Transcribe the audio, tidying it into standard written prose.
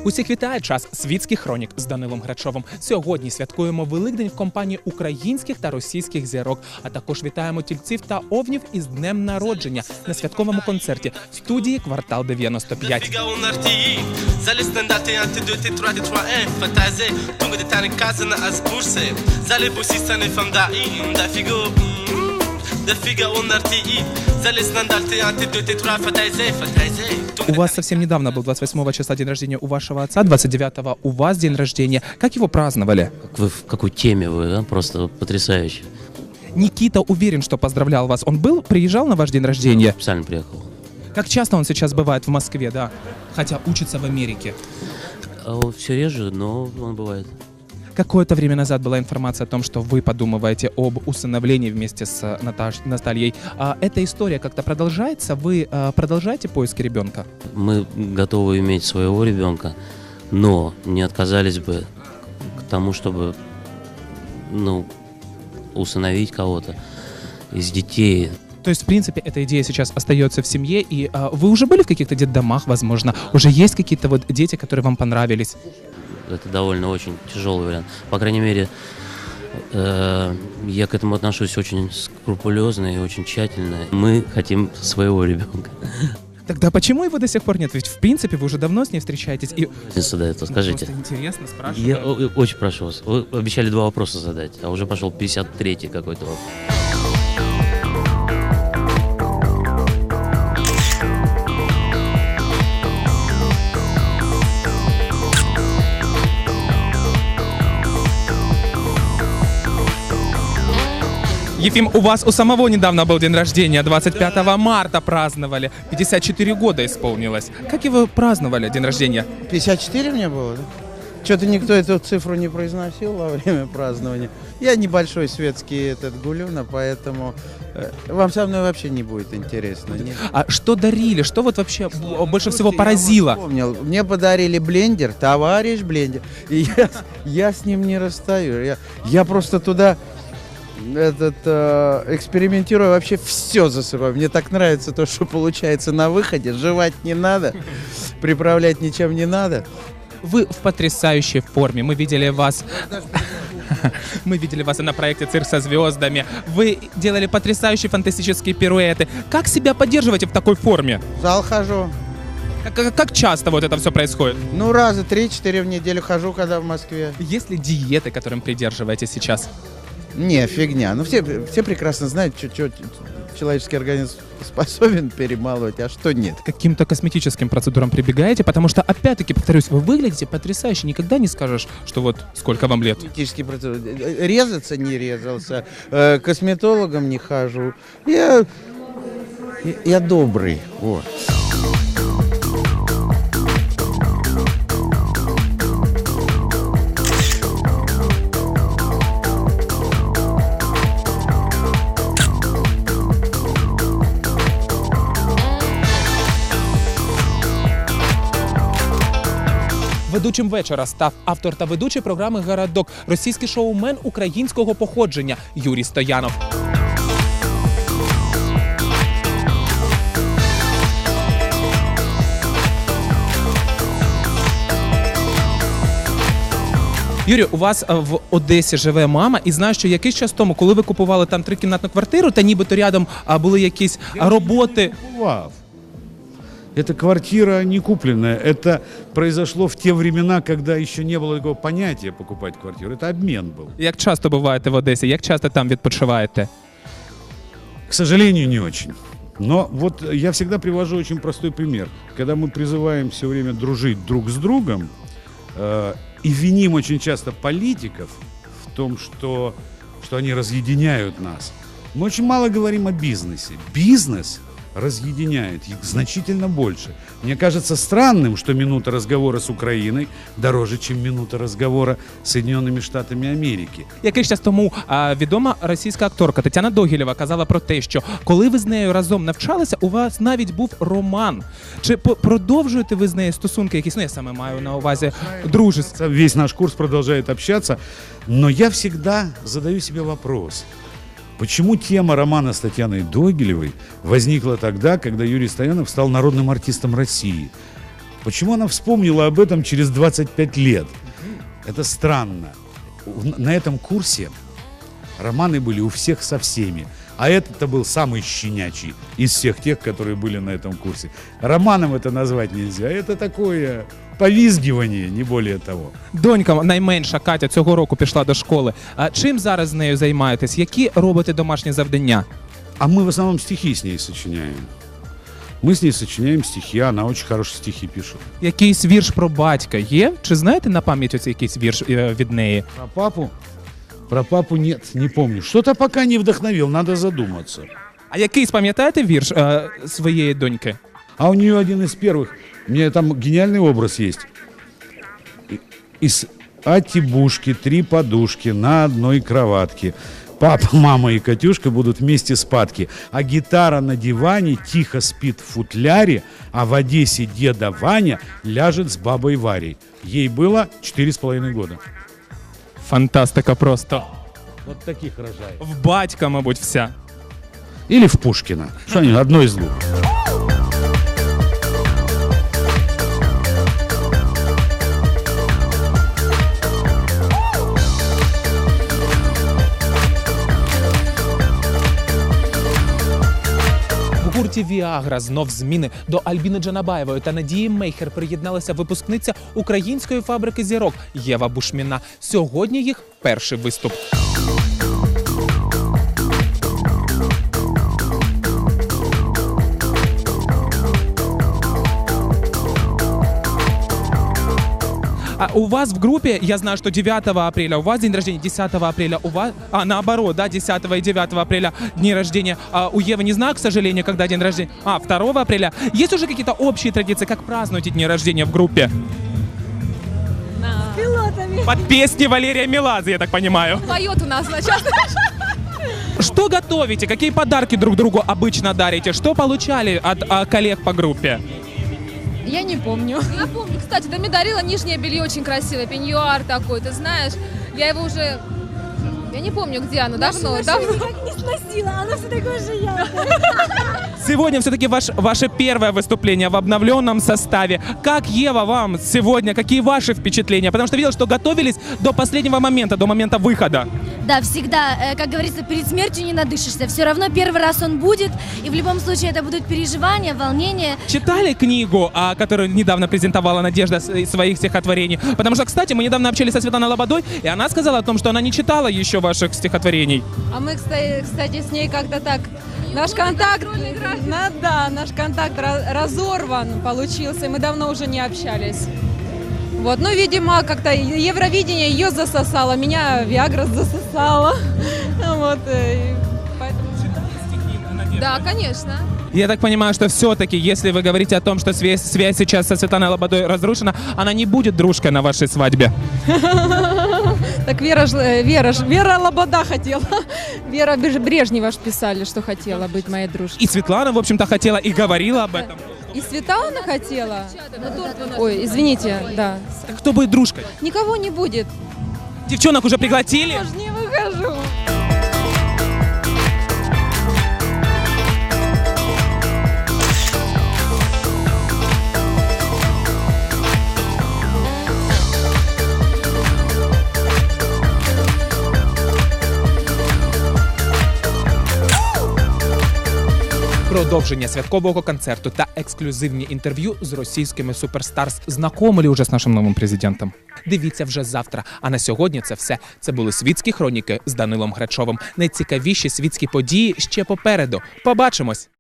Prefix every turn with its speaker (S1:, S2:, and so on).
S1: Усіх вітає час світських хронік з Данилом Грачовим. Сьогодні святкуємо Великдень в компанії українських та російських зірок, а також вітаємо тільців та овнів із днем народження на святковому концерті студії «Квартал 95». У вас совсем недавно был 28 числа день рождения у вашего отца, 29-го у вас день рождения. Как его праздновали?
S2: В какой теме вы, да? Просто потрясающе.
S1: Никита уверен, что поздравлял вас. Он приезжал на ваш день рождения?
S2: Специально приехал.
S1: Как часто он сейчас бывает в Москве, да? Хотя учится в Америке.
S2: Все реже, но он бывает.
S1: Какое-то время назад была информация о том, что вы подумываете об усыновлении вместе с Натальей. Эта история как-то продолжается? Вы продолжаете поиски ребенка?
S2: Мы готовы иметь своего ребенка, но не отказались бы к тому, чтобы усыновить кого-то из детей.
S1: То есть, в принципе, эта идея сейчас остается в семье, и вы уже были в каких-то детдомах, возможно? Уже есть какие-то вот дети, которые вам понравились?
S2: Это довольно очень тяжелый вариант. По крайней мере, я к этому отношусь очень скрупулезно и очень тщательно. Мы хотим своего ребенка.
S1: Тогда почему его до сих пор нет? Ведь, в принципе, вы уже давно с ней встречаетесь. И...
S2: Это скажите.
S1: Просто интересно, спрашиваю.
S2: Я очень прошу вас. Вы обещали 2 вопроса задать, а уже пошел 53-й какой-то вопрос.
S1: Ефим, у вас у самого недавно был день рождения, 25 марта праздновали, 54 года исполнилось. Как его праздновали, день рождения?
S3: 54 мне было, да? Что-то никто эту цифру не произносил во время празднования. Я небольшой светский гулюна, поэтому вам со мной вообще не будет интересно. Нет.
S1: А что дарили? Что вот вообще больше всего поразило?
S3: Я вспомнил, мне подарили блендер, товарищ блендер, и я с ним не расстаю. Я просто туда... экспериментирую, вообще все засыпаю. Мне так нравится то, что получается на выходе. Жевать не надо, приправлять ничем не надо.
S1: Вы в потрясающей форме. Мы видели вас... Мы видели вас и на проекте «Цирк со звездами». Вы делали потрясающие фантастические пируэты. Как себя поддерживаете в такой форме?
S3: В зал хожу.
S1: Как часто вот это все происходит?
S3: Раза 3-4 в неделю хожу, когда в Москве.
S1: Есть ли диеты, которым придерживаетесь сейчас?
S3: Не, фигня. Все прекрасно знают, что человеческий организм способен перемалывать, а что нет.
S1: К каким-то косметическим процедурам прибегаете? Потому что, опять-таки, повторюсь, вы выглядите потрясающе. Никогда не скажешь, что вот сколько вам лет.
S3: Косметические процедуры. Резаться не резался, к косметологам не хожу. Я добрый. Вот.
S1: Ведучим вечора став автор та ведучий програми «Городок», російський шоумен українського походження Юрій Стоянов. Юрій, у вас в Одесі живе мама, і знаю, що якийсь час тому, коли ви купували там 3-кімнатну квартиру, та нібито рядом були якісь роботи...
S4: Эта квартира не купленная. Это произошло в те времена, когда еще не было такого понятия покупать квартиру. Это обмен был.
S1: Як часто буваєте в Одесі? Як часто там відпочиваєте?
S4: К сожалению, не очень. Но вот я всегда привожу очень простой пример. Когда мы призываем все время дружить друг с другом и виним очень часто политиков в том, что они разъединяют нас, мы очень мало говорим о бизнесе. Бизнес разъединяет их значительно больше. Мне кажется странным, что минута разговора с Украиной дороже, чем минута разговора с Соединенными Штатами Америки.
S1: Якийсь час тому відома російська акторка Тетяна Догілєва казала про те, що коли ви з нею разом навчалися, у вас навіть був роман. Чи продовжуєте ви з нею стосунки якісь? Я саме маю на увазі дружество.
S4: Весь наш курс продолжает общаться, но я всегда задаю себе вопрос. Почему тема романа с Татьяной Догилевой возникла тогда, когда Юрий Стоянов стал народным артистом России? Почему она вспомнила об этом через 25 лет? Это странно. На этом курсе романы были у всех со всеми. А этот-то был самый щенячий из всех тех, которые были на этом курсе. Романом это назвать нельзя. Это такое повизгивание, не более того.
S1: Донька найменша Катя цього року пішла до школи. А чим зараз з нею займаєтесь? Які робите домашні завдання?
S4: А мы в основном стихи с ней сочиняем. Мы с ней сочиняем стихи, она очень хорошие стихи пишет.
S1: Якийсь вірш про батька є? Чи знаєте на пам'ять оцей якийсь вірш від неї?
S4: Про папу нет, не помню. Что-то пока не вдохновил, надо задуматься.
S1: А якийсь пам'ятаєте вірш своєї доньки?
S4: А у нее один из первых, у меня там гениальный образ есть. Из Атибушки 3 подушки на одной кроватке. Папа, мама и Катюшка будут вместе спадки. А гитара на диване тихо спит в футляре, а в Одессе деда Ваня ляжет с бабой Варей. Ей было 4,5 года.
S1: Фантастика просто.
S4: Вот таких рожает.
S1: В батька, мабуть, вся.
S4: Или в Пушкина. Что-нибудь, одно из двух.
S1: В гурті «Віагра» знов зміни. До Альбіни Джанабаєвої та Надії Мейхер приєдналася випускниця української фабрики зірок Єва Бушміна. Сьогодні їх перший виступ. А у вас в группе, я знаю, что 9 апреля у вас день рождения, 10 апреля у вас, наоборот, да, 10 и 9 апреля дни рождения. А у Евы не знаю, к сожалению, когда день рождения. 2 апреля. Есть уже какие-то общие традиции, как празднуете дни рождения в группе?
S5: С пилотами.
S1: Под песни Валерия Меладзе, я так понимаю.
S5: Поет у нас начало.
S1: Что готовите? Какие подарки друг другу обычно дарите? Что получали от коллег по группе?
S5: Я не помню. Я помню. Кстати, ты мне дарила нижнее белье очень красивое, пеньюар такой, ты знаешь. Я его уже... Я не помню, где оно, давно.
S6: Никак не сносила, оно все такое же яркое.
S1: Сегодня все-таки ваше первое выступление в обновленном составе. Как, Ева, вам сегодня, какие ваши впечатления? Потому что видел, что готовились до последнего момента, до момента выхода.
S6: Да, всегда, как говорится, перед смертью не надышишься. Все равно первый раз он будет, и в любом случае это будут переживания, волнения.
S1: Читали книгу, которую недавно презентовала Надежда из своих стихотворений? Потому что, кстати, мы недавно общались со Светланой Лободой, и она сказала о том, что она не читала еще ваших стихотворений.
S7: А мы, кстати, с ней как-то так... Наш контакт разорван получился, и мы давно уже не общались. Вот, ну, видимо, как-то Евровидение ее засосало, меня Виагра засосала. Вот, поэтому...
S5: Да, конечно.
S1: Я так понимаю, что все-таки, если вы говорите о том, что связь сейчас со Светланой Лободой разрушена, она не будет дружкой на вашей свадьбе.
S7: Так Вера Лобода хотела. Вера Брежнева ж писали, что хотела быть моей дружкой.
S1: И Светлана, в общем-то, хотела и говорила об этом.
S7: И Светлана хотела. Ой, извините, да.
S1: Так кто будет дружкой?
S7: Никого не будет.
S1: Девчонок уже пригласили?
S7: Я же не выхожу.
S1: Продовження святкового концерту та ексклюзивні інтерв'ю з російськими суперстарс. Знакомили уже з нашим новим президентом? Дивіться вже завтра. А на сьогодні це все. Це були світські хроніки з Данилом Грачовим. Найцікавіші світські події ще попереду. Побачимось!